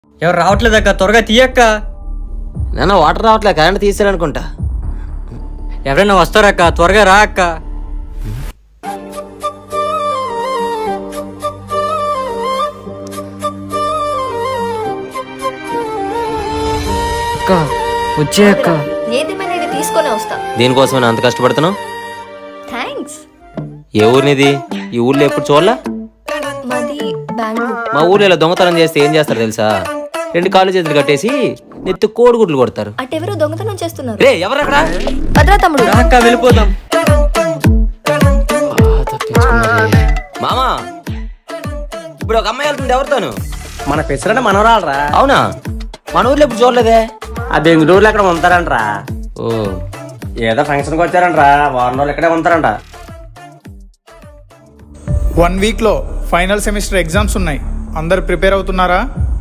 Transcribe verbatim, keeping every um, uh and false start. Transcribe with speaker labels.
Speaker 1: ఎవరు రావట్లేదక్క, త్వరగా తీయక్క.
Speaker 2: నాన్న వాటర్ రావట్లే, కరెంట్ తీసారనుకుంటా.
Speaker 1: ఎవరైనా వస్తారక్క, త్వరగా రా అక్క. అక్క వచ్చే అక్క.
Speaker 3: ఏదేమైనా ఇది తీసుకొని వస్తా.
Speaker 2: దీనికోసమే నా అంత కష్టపడుతున్నావు?
Speaker 3: థ్యాంక్స్.
Speaker 2: ఏ ఊరినిది? ఈ ఊర్లో ఎప్పుడు చూడలా?
Speaker 3: మాది బెంగళూరు.
Speaker 2: మా ఊర్లో ఇలా దొంగతనం చేస్తే ఏం చేస్తారు తెలుసా? రెండు కాళ్ళు చేతులు కట్టేసి నెత్తి కోడిగుడ్లు కొడతారు.
Speaker 3: అటెవరో దొంగతనం చేస్తున్నారు.
Speaker 2: రే ఎవరక్కడ?
Speaker 3: భద్రా తమ్ముడు.
Speaker 1: రా అక్క, వెళ్ళిపోదాం.
Speaker 2: మామా ఇప్పుడు ఒక అమ్మాయి వెళ్తుంది, ఎవరితోను?
Speaker 4: మన పెసరంటే మనవరాలరా.
Speaker 2: అవునా? మన ఊర్లో ఎప్పుడు చూడలేదే.
Speaker 4: ఆ బెంగళూరులో ఎక్కడ ఉంటారంట్రా.
Speaker 2: ఓ
Speaker 4: ఏదో ఫంక్షన్కి వచ్చారంట్రా, వారం రోజులు ఇక్కడే ఉంటారంట.
Speaker 5: వన్ వీక్లో ఫైనల్ సెమిస్టర్ ఎగ్జామ్స్ ఉన్నాయి. అందరు ప్రిపేర్ అవుతున్నారా?